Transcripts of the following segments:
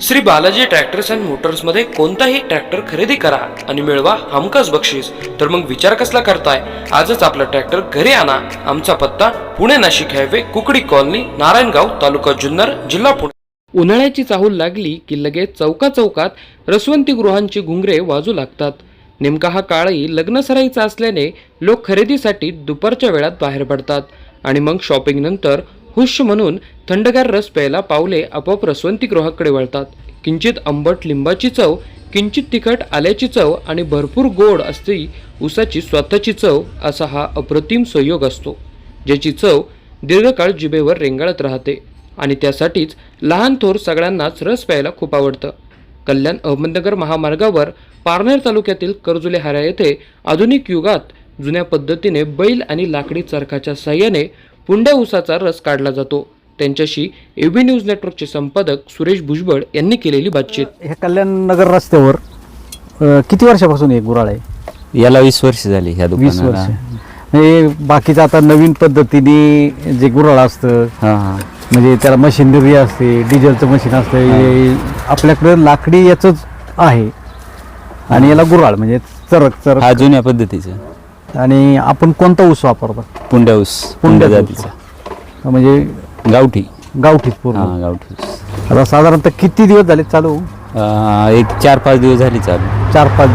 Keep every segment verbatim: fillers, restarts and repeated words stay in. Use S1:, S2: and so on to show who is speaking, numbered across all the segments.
S1: Shri Balaji tractors and मोटर्समध्ये कोणताही tractor खरेदी करा आणि मिळवा हमखास बक्षीस. तर मग विचार कसला करताय? आजच आपला ट्रॅक्टर घरी आणा. आमचा पत्ता पुणे नाशिक हायवे, कुकडी कॉलनी, नारायणगाव, तालुका जुन्नर, जिल्हा पुणे. उन्हाळ्याची चाहूल लागली की लगेच चौका चौकात रसवंती गृहांची घुंगरे वाजू लागतात. नेमका हा काळही लग्नसराईचा असल्याने लोक खरेदीसाठी दुपारच्या वेळात बाहेर पडतात आणि मग शॉपिंग नंतर हुश म्हणून थंडगार रस प्यायला पावले आपोआप रसवंती गृहाकडे वळतात. किंचित आंबट लिंबाची चव, किंचित तिखट आल्याची चव आणि भरपूर गोड असते उसाची स्वतःची चव, असा हा अप्रतिम संयोग असतो ज्याची चव दीर्घकाळ जिभेवर रेंगाळत राहते. आणि त्यासाठीच लहान थोर सगळ्यांनाच रस प्यायला खूप आवडतं. कल्याण अहमदनगर महामार्गावर पारनेर तालुक्यातील करजुले हारा येथे आधुनिक युगात जुन्या पद्धतीने बैल आणि लाकडी चरखाच्या साह्याने पुंड्या ऊसाचा रस काढला जातो. त्यांच्याशी एबी न्यूज नेटवर्कचे संपादक सुरेश भुजबळ यांनी केलेली बातचीत.
S2: हे कल्याण नगर रस्त्यावर अ, किती वर्षापासून हे गुराळ आहे?
S3: याला वीस वर्ष झाली ह्या
S2: वीस
S3: दुकानाला.
S2: वर्ष. हे बाकीचं आता नवीन पद्धतीने जे गुराळ असतं,
S3: हा हा
S2: म्हणजे त्याला मशिनरी असते, डिझेलचं मशीन असतं. हे आपल्याकडे लाकडी याचंच आहे आणि याला गुराळ म्हणजे चरक
S3: हा
S2: चरक.
S3: जुन्या पद्धतीचा
S2: आणि आपण कोणता ऊस वापरतो?
S3: पुंड्या ऊस, पुंड्या जातीचा,
S2: म्हणजे
S3: गावठी.
S2: गावठीच
S3: हा
S2: पूर्ण.
S3: गावठी ऊस.
S2: आता साधारणतः किती दिवस झाले चालू?
S3: अं, एक चार पाच दिवस झाली चालू.
S2: चार पाच
S3: हा.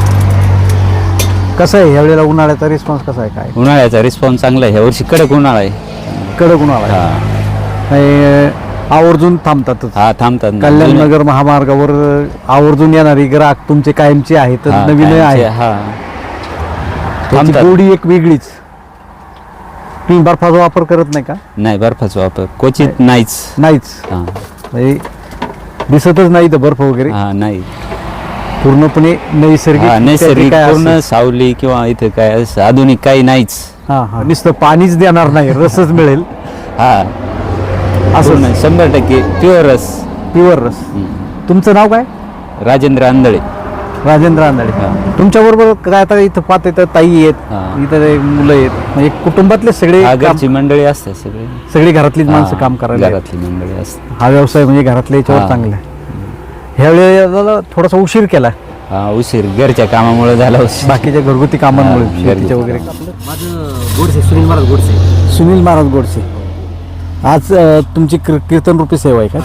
S2: दिवस. कसं आहे ह्यावेळेला उन्हाळ्याचा रिस्पॉन्स कसा आहे? काय
S3: उन्हाळ्याचा रिस्पॉन्स चांगला आहे. ह्या वर्षी कडक उन्हाळा आहे.
S2: कडक उन्हाळा आहे.
S3: हा
S2: आणि आवर्जून थांबतातच.
S3: हा थांबतात ना.
S2: कल्याण
S3: जुन्या-
S2: नगर महामार्गावर आवर्जून येणारी ग्राहक तुमचे कायमचे आहेत,
S3: हा,
S2: नवीन
S3: कायमचे,
S2: आहे.
S3: हा
S2: त्याची
S3: थांबतात.
S2: गोडी एक वेगळीच. तुम्ही बर्फाचा वापर करत नाही का?
S3: नाही, बर्फाचा वापर क्वचित नाहीच.
S2: नाहीच.
S3: हा
S2: म्हणजे दिसतच नाही तर बर्फ वगैरे.
S3: हा नाही.
S2: पूर्णपणे नैसर्गिक.
S3: हा नैसर्गिक
S2: काय
S3: पूर्ण
S2: असेल.
S3: सावली किंवा इथं काय असं आधुनिक काही नाहीच.
S2: हा हा नुसतं पाणीच देणार नाही, रसच मिळेल
S3: हा
S2: असं.
S3: पूर्ण शंभर टक्के प्युअर रस.
S2: प्युअर रस. तुमचं नाव काय?
S3: राजेंद्र आंधळे.
S2: राजेंद्र आंधळे. तुमच्या बरोबर काय आता इथं पाहत इथं ताई आहेत,
S3: हा.
S2: इथं एक मुलं आहेत, म्हणजे कुटुंबातले सगळे
S3: हा,
S2: काम-
S3: घरची मंडळी असते सगळे.
S2: सगळी घरातलीच माणसं
S3: हा,
S2: काम करायला आहेत.
S3: घरातली मंडळी असते.
S2: हा व्यवसाय म्हणजे घरातल्या याच्यावर
S3: हा.
S2: चांगला आहे. ह्यावेळेला थोडासा उशीर केला
S3: हा उशीर घरच्या कामामुळे झाला उशीर.
S2: बाकीच्या घरगुती कामांमुळे,
S3: हा,
S2: शेतीच्या
S3: घरगुती
S2: वगैरे.
S4: माझं गोडसे, सुनील महाराज गोडसे.
S2: सुनील महाराज गोडसे. आज अ, तुमची कीर- कीर्तन रूपी सेवा आहे का?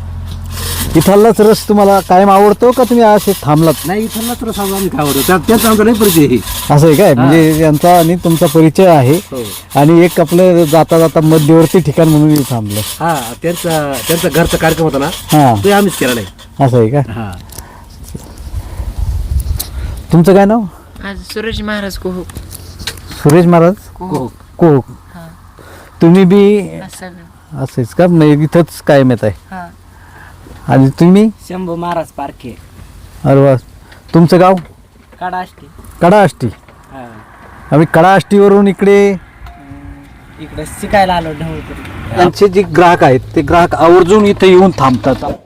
S2: इथलाच रस तुम्हाला कायम आवडतो का तुम्ही असे थांबलात?
S4: नाही, इथलाच रस आम्ही काय आवडतो, त्या त्याच आमचा नाही परिचय आहे.
S2: असं आहे काय? म्हणजे यांचा आणि तुमचा परिचय आहे
S4: हो.
S2: आणि एक आपलं जाता जाता मध्यवर्ती ठिकाण म्हणून इथे थांबलं.
S4: हा, त्यांचा त्यांचा घरचा कार्यक्रम होता ना,
S2: हा,
S4: ते आम्हीच केला नाही.
S2: असं आहे का?
S4: हा.
S2: तुमचं काय नाव?
S5: आज सूरज महाराज को
S2: सुरेश महाराज
S4: हो.
S2: कोक.
S5: हा.
S2: तुम्ही बी
S5: असं
S2: असंच का? म्हणजे इथंच कायम येत आहे.
S5: हा.
S2: आणि तुम्ही?
S6: शंभू महाराज पारखे.
S2: अरे वा. तुमचं गाव?
S6: काडाष्टी.
S2: कडाष्टी.
S6: हा.
S2: आम्ही कडाष्टीवरून इकडे.
S6: इकडे शिकायला आलो ढवळपुरी.
S2: त्यांचे जे ग्राहक आहेत ते ग्राहक आवर्जून इथे येऊन थांबतात.